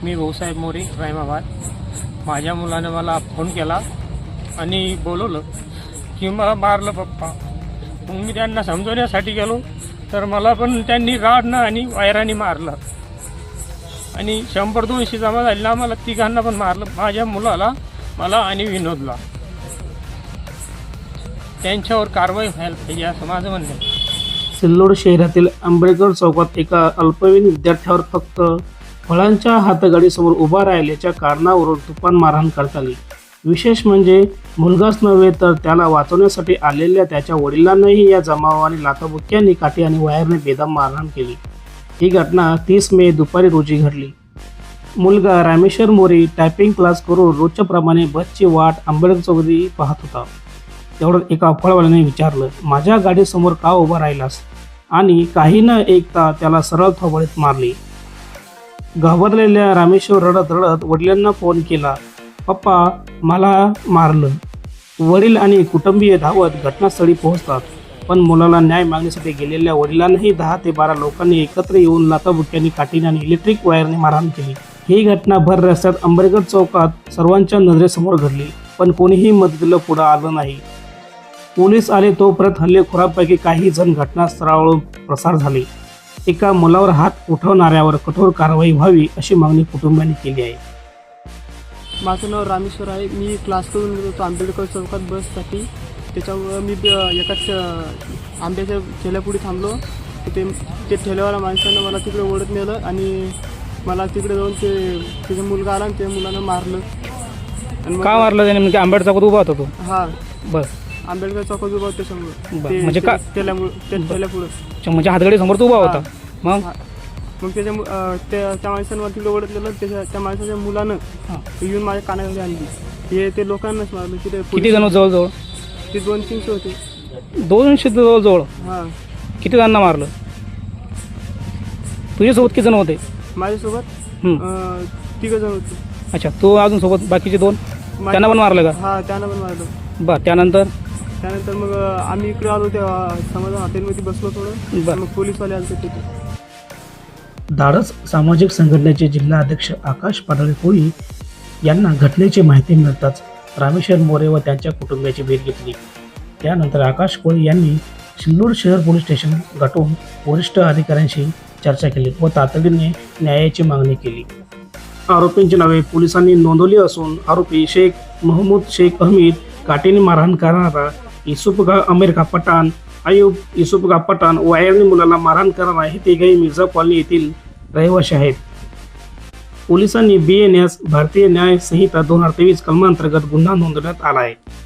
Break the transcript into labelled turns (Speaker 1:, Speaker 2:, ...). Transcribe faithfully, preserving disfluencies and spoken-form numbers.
Speaker 1: मी भाऊसाहेब मोरे रायमाबाद. माझ्या मुलाने मला फोन केला आणि बोलवलं की मला मारलं पप्पा. मग मी त्यांना समजवण्यासाठी गेलो तर मला पण त्यांनी राडनं आणि वायराने मारलं आणि शंभर दोनशे जमा झालेला मला तिघांना पण मारलं, माझ्या मुलाला, मला आणि विनोदला. त्यांच्यावर कारवाई व्हायला पाहिजे असं माझं म्हणणं आहे.
Speaker 2: सिल्लोड शहरातील आंबेडकर चौकात एका अल्पवयीन विद्यार्थ्यावर फक्त फळांच्या हातगाडीसमोर उभा राहिल्याच्या कारणावरून तुफान मारहाण करण्यात आली. विशेष म्हणजे मुलगाच नव्हे तर त्याला वाचवण्यासाठी आलेल्या त्याच्या वडिलांनाही या जमावाने लाथाबुक्क्यांनी, काठी आणि वायरने बेदम मारहाण केली. ही घटना तीस मे दुपारी रोजी घडली. मुलगा रामेश्वर मोरे टायपिंग क्लास करून रोजच्या प्रमाणे बसची वाट आंबेडकर चौकात पाहत होता. तेवढं एका फळवाल्याने विचारलं, माझ्या गाडीसमोर का उभा राहिलास? आणि काही न ऐकता त्याला सरळ थोबाडीत मारली. घाबरलेल्या रामेश्वर रडत रडत वडिलांना फोन केला, पप्पा मला मारलं. वडील आणि कुटुंबीय धावत घटनास्थळी पोहोचतात, पण मुलाला न्याय मागण्यासाठी गेलेल्या वडिलांनाही दहा ते बारा लोकांनी एकत्र येऊन लाथाबुक्क्यांनी, काठीने आणि इलेक्ट्रिक वायरने मारहाण केली. ही घटना भर रस्त्यात आंबेडकर चौकात सर्वांच्या नजरेसमोर घडली, पण कोणीही मदतीला पुढे आलं नाही. पोलीस आले तोपर्यंत हल्लेखोरांपैकी काही जण घटनास्थळावरून पसार झाले. एका मुलावर हात उठवणाऱ्यावर कठोर कारवाई व्हावी अशी मागणी कुटुंबियांनी केली आहे.
Speaker 3: माझं नाव रामेश्वर आहे. मी क्लास करून गेलो होतो आंबेडकर चौकात बससाठी. त्याच्यामुळं मी एकाच आंब्याच्या ठेल्यापुढे थांबलो. ते ते ठेल्यावाला माणसानं मला तिकडे ओढत नेलं आणि मला तिकडे जाऊन ते त्याचा मुलगा आला आणि त्या मुलानं मारलं. आणि
Speaker 2: का मारलं त्याने? म्हणजे आंबेडकर चौकात उभा होता तो?
Speaker 3: हां,
Speaker 2: बस
Speaker 3: आंबेडकर चौकात उभा होता त्याच्यामुळं.
Speaker 2: बरं, म्हणजे का
Speaker 3: ठेल्यामुळं त्या ठेल्यापुढं
Speaker 2: म्हणजे हातगाडी समोर तो उभा होता? मग
Speaker 3: मग त्याच्या त्या त्या माणसानं मला तिकडे ओढत नेलं. त्याच्या त्या माणसाच्या मुलानं येऊन माझ्या कानाखाली आणली. हे ते लोकांनाच मारलं. तिथे
Speaker 2: किती जण जवळजवळ?
Speaker 3: ते दोन तीनशे होते.
Speaker 2: दोनशे जवळजवळ?
Speaker 3: हां.
Speaker 2: किती जणांना मारलं? तुझ्यासोबत किती जण होते?
Speaker 3: माझ्यासोबत
Speaker 2: हं.
Speaker 3: तिघं जण होते.
Speaker 2: अच्छा, तो अजून सोबत बाकीचे दोन त्यांना पण मारलं का?
Speaker 3: हां, त्यांना पण मारलं.
Speaker 2: बरं, त्यानंतर
Speaker 3: त्यानंतर मग आम्ही इकडे आलो, त्या समाजा हॉटेलमध्ये बसलो थोडं.
Speaker 2: बरं.
Speaker 3: मग पोलीसवाले आले तिथे.
Speaker 2: धाडस सामाजिक संघटनेचे जिल्हा अध्यक्ष आकाश पाडळे कोळी यांना घटनेची माहिती मिळताच रामेश्वर मोरे व त्यांच्या कुटुंबियाची भेट घेतली. त्यानंतर आकाश कोळी यांनी सिल्लोड शहर पोलीस स्टेशन गाठून वरिष्ठ अधिकाऱ्यांशी चर्चा केली व तातडीने न्यायाची मागणी केली. आरोपींची नावे पोलिसांनी नोंदवली असून आरोपी शेख महमूद शेख अहमीद, काठीने मारहाण करणारा युसुफगा अमेरिका पठाण, आयुब युसुफगा पठाण, वायरने मुलाला मारहाण करणारा हे तिघेही मिर्झा कॉलनी येथील रहिवासी आहेत. पोलिसांनी बी एन एस भारतीय न्याय संहिता दोन हजार तेवीस कलमांतर्गत गुन्हा नोंदवण्यात आला आहे.